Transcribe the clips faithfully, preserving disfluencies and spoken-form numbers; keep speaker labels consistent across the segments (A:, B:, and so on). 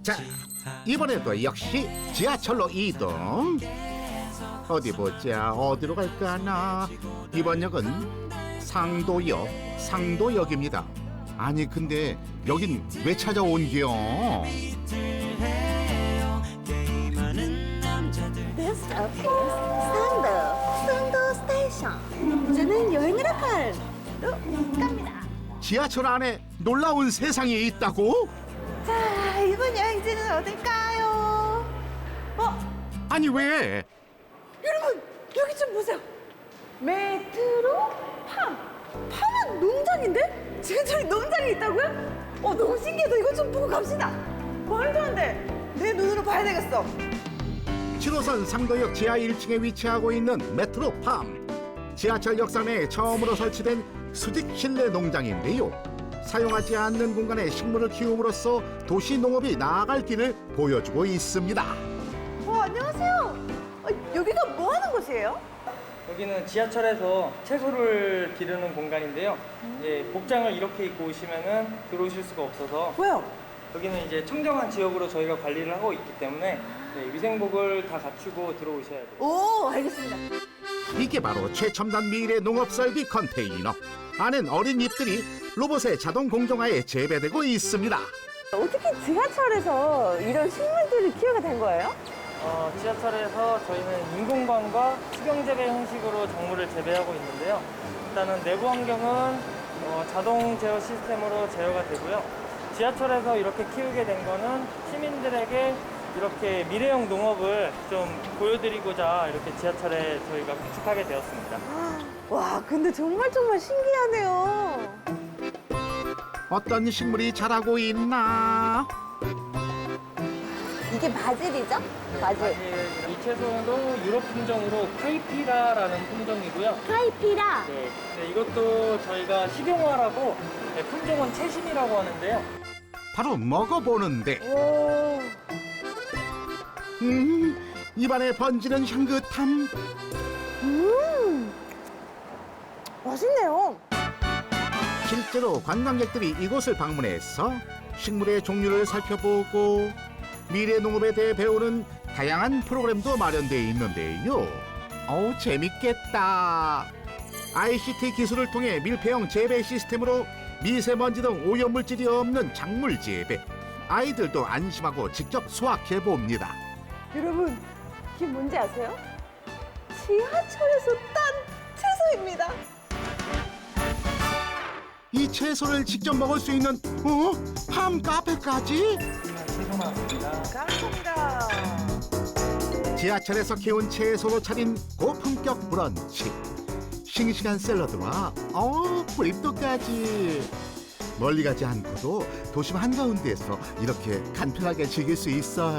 A: 자, 이번에도 역시 지하철로 이동. 어디 보자, 어디로 갈까나. 이번 역은 상도역, 상도역입니다. 아니 근데 여긴 왜 찾아온겨?
B: This stop is 상도, 상도 스테이션. 이제는 여행을 할로 갑니다.
A: 지하철 안에 놀라운 세상이 있다고?
B: 자, 이번 여행지는 어딜까요? 어,
A: 아니 왜?
B: 여러분 여기 좀 보세요. 메트로 팜. 팜은 농장인데? 지하철에 농장이 있다고요? 어, 너무 신기하다. 이거 좀 보고 갑시다. 말도 안 돼. 내 눈으로 봐야 되겠어.
A: 칠 호선 상도역 지하 일 층에 위치하고 있는 메트로팜. 지하철 역사 내에 처음으로 설치된 수직 실내 농장인데요. 사용하지 않는 공간에 식물을 키움으로써 도시 농업이 나아갈 길을 보여주고 있습니다.
B: 어, 안녕하세요. 어, 여기가 뭐 하는 곳이에요?
C: 여기는 지하철에서 채소를 기르는 공간인데요. 이제 복장을 이렇게 입고 오시면은 들어오실 수가 없어서
B: 왜요?
C: 여기는 이제 청정한 지역으로 저희가 관리를 하고 있기 때문에 네, 위생복을 다 갖추고 들어오셔야 돼요.
B: 오, 알겠습니다.
A: 이게 바로 최첨단 미래 농업 설비 컨테이너. 안엔 어린 잎들이 로봇의 자동 공정화에 재배되고 있습니다.
B: 어떻게 지하철에서 이런 식물들을 키우게 된 거예요?
C: 어, 지하철에서 저희는 인공광과 수경재배 형식으로 작물을 재배하고 있는데요. 일단은 내부 환경은 어, 자동 제어 시스템으로 제어가 되고요. 지하철에서 이렇게 키우게 된 거는 시민들에게 이렇게 미래형 농업을 좀 보여드리고자 이렇게 지하철에 저희가 구축하게 되었습니다.
B: 와, 근데 정말 정말 신기하네요.
A: 어떤 식물이 자라고 있나?
B: 이게 바질이죠? 바질.
C: 사실 이 채소도 유럽 품종으로 카이피라라는 품종이고요.
B: 카이피라.
C: 네, 네, 이것도 저희가 식용화라고 네, 품종은 채심이라고 하는데요.
A: 바로 먹어보는데
B: 오.
A: 음, 입안에 번지는 향긋함.
B: 음. 맛있네요.
A: 실제로 관광객들이 이곳을 방문해서 식물의 종류를 살펴보고 미래 농업에 대해 배우는 다양한 프로그램도 마련되어 있는데요. 어우, 재밌겠다. 아이씨티 기술을 통해 밀폐형 재배 시스템으로 미세먼지 등 오염물질이 없는 작물 재배. 아이들도 안심하고 직접 수확해 봅니다.
B: 여러분, 이게 뭔지 아세요? 지하철에서 딴 채소입니다.
A: 이 채소를 직접 먹을 수 있는 어? 팜 카페까지?
C: 채소 나왔습니다.
B: 감사합니다.
A: 지하철에서 키운 채소로 차린 고품격 브런치. 싱싱한 샐러드와 어 브립도까지. 멀리 가지 않고도 도심 한가운데에서 이렇게 간편하게 즐길 수 있어요.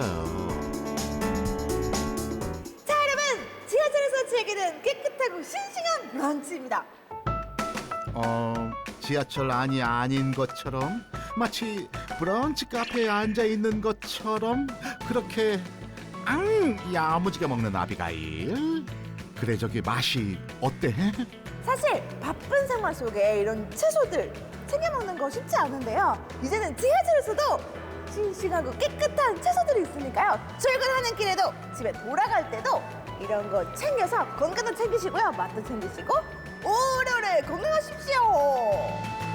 B: 자, 여러분, 지하철에서 즐기는 깨끗하고 싱싱한 브런치입니다.
A: 어, 지하철 안이 아닌 것처럼 마치 브런치 카페에 앉아 있는 것처럼 그렇게 앙 야무지게 먹는 아비가일. 그래 저기 맛이 어때?
B: 사실 바쁜 생활 속에 이런 채소들 챙겨 먹는 거 쉽지 않은데요. 이제는 지하철에서도 싱싱하고 깨끗한 채소들이 있으니까요. 출근하는 길에도 집에 돌아갈 때도 이런 거 챙겨서 건강도 챙기시고요. 맛도 챙기시고 오래오래 건강하십시오.